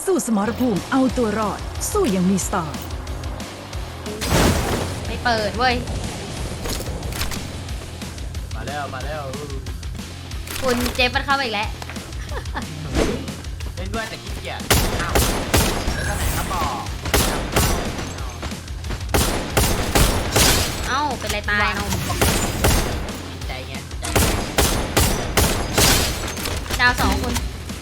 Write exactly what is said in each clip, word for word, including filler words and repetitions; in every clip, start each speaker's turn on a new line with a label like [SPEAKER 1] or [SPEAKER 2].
[SPEAKER 1] สู้สมรภูมิเอาตัวรอดสู้อย่างมีสไตล์
[SPEAKER 2] ไม่เปิดเว้ย
[SPEAKER 3] มาแล้วมาแล้ว
[SPEAKER 2] คุณเจฟมันเข้ามาอีกแล้ว
[SPEAKER 3] เล่นด้วยแต่ขี้เกียจอ้าวแล้วก็ไหนครับบอก
[SPEAKER 2] เอ้าเป็นไรตายเนาะ
[SPEAKER 3] ใจไงใจ
[SPEAKER 2] ดาวสองคน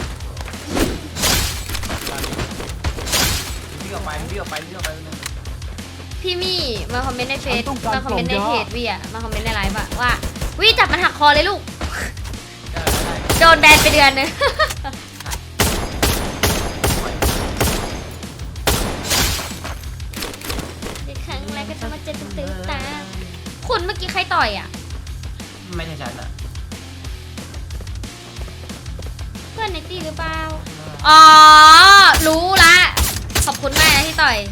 [SPEAKER 3] วิ่งออกไปวิ่งออกไปวิ่งออกไปนึง
[SPEAKER 2] พี่มี่มาคอมเมนต์ในเฟซมาคอมเมนต์ในเพจวี่อะมาคอมเมนต์ในไลฟ์อะว่าวิจับมันหักคอเลยลูกโดนแบนไปเดือนนึงครั้งแรกก็จะมาเจอตื้อตาคุณเมื่อกี้ใครต่อยอะ
[SPEAKER 3] ไม่ใช่ฉันอะ
[SPEAKER 2] เพื่อนในตีหรือเปล่าอ๋อรู้ละขอบคุณมากนะที่ต่อย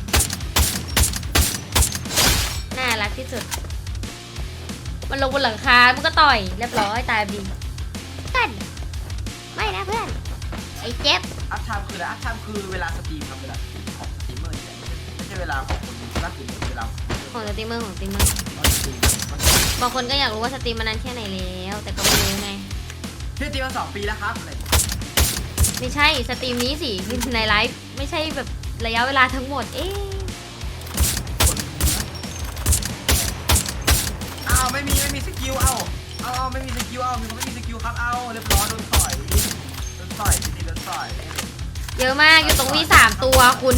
[SPEAKER 2] น่ารักที่สุดมันลงบนหลังคามันก็ต่อยเรียบร้อยตายดีกันไม่นะเพื่อนไอ้เจ็บ
[SPEAKER 3] อัพไทม์คืออะไรอัพไทม์คือเวลาสตรีมครับเวลาของสตรีมเมอร์ไม่ใช่เวลาของคนนักดื่มเวลา
[SPEAKER 2] ของสตรีมเมอร์ของสตรีมเมอร์บางคนก็อยากรู้ว่าสตรีมมานานแค่ไหนแล้วแต่ก็ไม่รู้ไง
[SPEAKER 3] พี่สตรีมมาสองปีแล้วครับ
[SPEAKER 2] ไม่ใช่สตรีมนี้สิในไลฟ์ไม่ใช่แบบระยะเวลาทั้งหมดเอ๊ะ
[SPEAKER 3] อ้าวไม่มีไม่มีสกิลเอาเอาไม่มีสกิลเอามีคนไม่มีสกิลครับเอาเรียบร้อยโดนต่อยโดนต่อยจริงๆโดนต่อย
[SPEAKER 2] เยอะมากอยู่ตรงวีสามตัวคุณ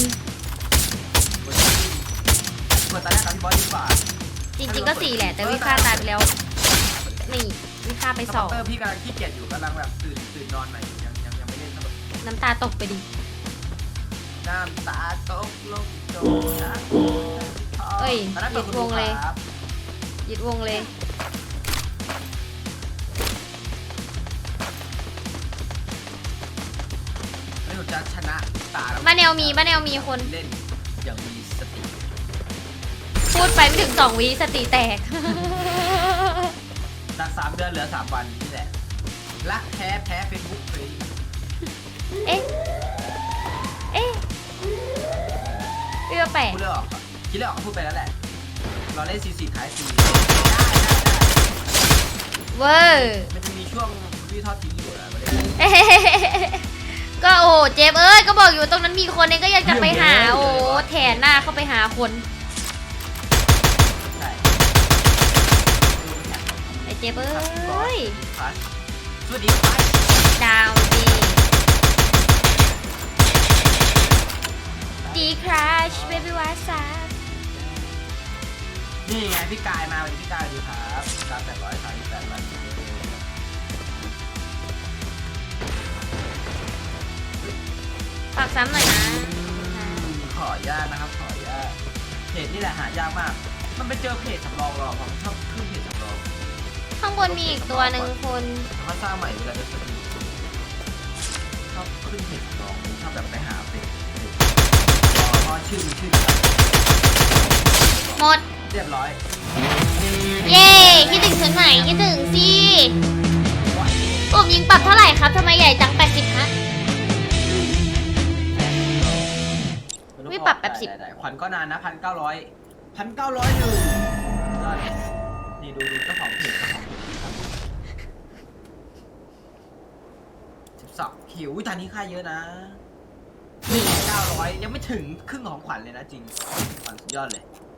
[SPEAKER 3] เปิดตาแรกกับพี่บอสดีกว่า
[SPEAKER 2] จริงๆก็สี่แหละแต่วิค่าตายไปแล้วนี่วิค่าไปสอง
[SPEAKER 3] พี่กำลังขี้เกียจอยู่กำลังแบบตื่นตื่นนอนใหม่ยังยังยังไม่เล่นทั้งหมด
[SPEAKER 2] น้ำตาตกไปดิ
[SPEAKER 3] น้ำตาตกลงโดน
[SPEAKER 2] เอ้ยหยุดวงเลยหยุดวงเลย
[SPEAKER 3] ไม่รู้จะชนะตา
[SPEAKER 2] บ้านแนวมีบ้านแนวมีคน
[SPEAKER 3] เล่นอย่างมีสติ
[SPEAKER 2] พูดไปไม่ถึงสองวิสติแตก
[SPEAKER 3] จากสามเดือนเหลือสามวันนี่แหละรักแพ้แพ้เฟซบุ๊กเลย
[SPEAKER 2] เอ๊ะเอ๊ะพี่ว่าแปลก
[SPEAKER 3] พูดเรื่องออกคิดเรื่องออกก็พูดไปแล้วแหละเราเล่นซีซีท้ายซี
[SPEAKER 2] เวอร์
[SPEAKER 3] มันจะมีช่วงวิทอดทิ้งอยู่นะ
[SPEAKER 2] ก็โอ้เจฟเอ้ยก็บอกอยู่ตรงนั้นมีคนเองก็ยังจะไปหาโอ้แถนหน้าเข้าไปหาคนไอเจฟเอ้ย
[SPEAKER 3] สวัสดี
[SPEAKER 2] ดาวดีดีคราชเบบี้วาซา
[SPEAKER 3] นี่ไงพี่กายมาวันนี้พี่กายดีครับสามแปดร้อยสามสิบแปดวัน
[SPEAKER 2] ฝากซ้ำหน่อยนะ
[SPEAKER 3] ขออนุญาตนะครับขออนุญาตเพจนี่แหละหายากมากมันไปเจอเพจสำรองหรอผมชอบขึ้นเพจสำรอง
[SPEAKER 2] ข้างบนมีอีกตัวหนึ่งคน
[SPEAKER 3] เขาสร้างใหม่เวลาจะสตรีมชอบขึ้นเพจสำรองชอบแบบไปหาเพจพอชื่อชื่อ
[SPEAKER 2] หมด
[SPEAKER 3] เรียบร้อย
[SPEAKER 2] เย้คิดถึงฉันไหนคิดถึงสิผมยิงปรับเท่าไหร่ครับทำไมใหญ่จังแปดสิบฮะไม่ปรับแปดสิบ
[SPEAKER 3] ขวัญก็นานนะพันเก้าร้อยพันเก้าร้อยหนึ่งนี่ดูดูเจ้าของเพจเจ้าของเพจสิบสองคิวตอนนี้ค่าเยอะนะเก้าร้อยยังไม่ถึงครึ่งของขวัญเลยนะจริงขวัญสุดยอดเลย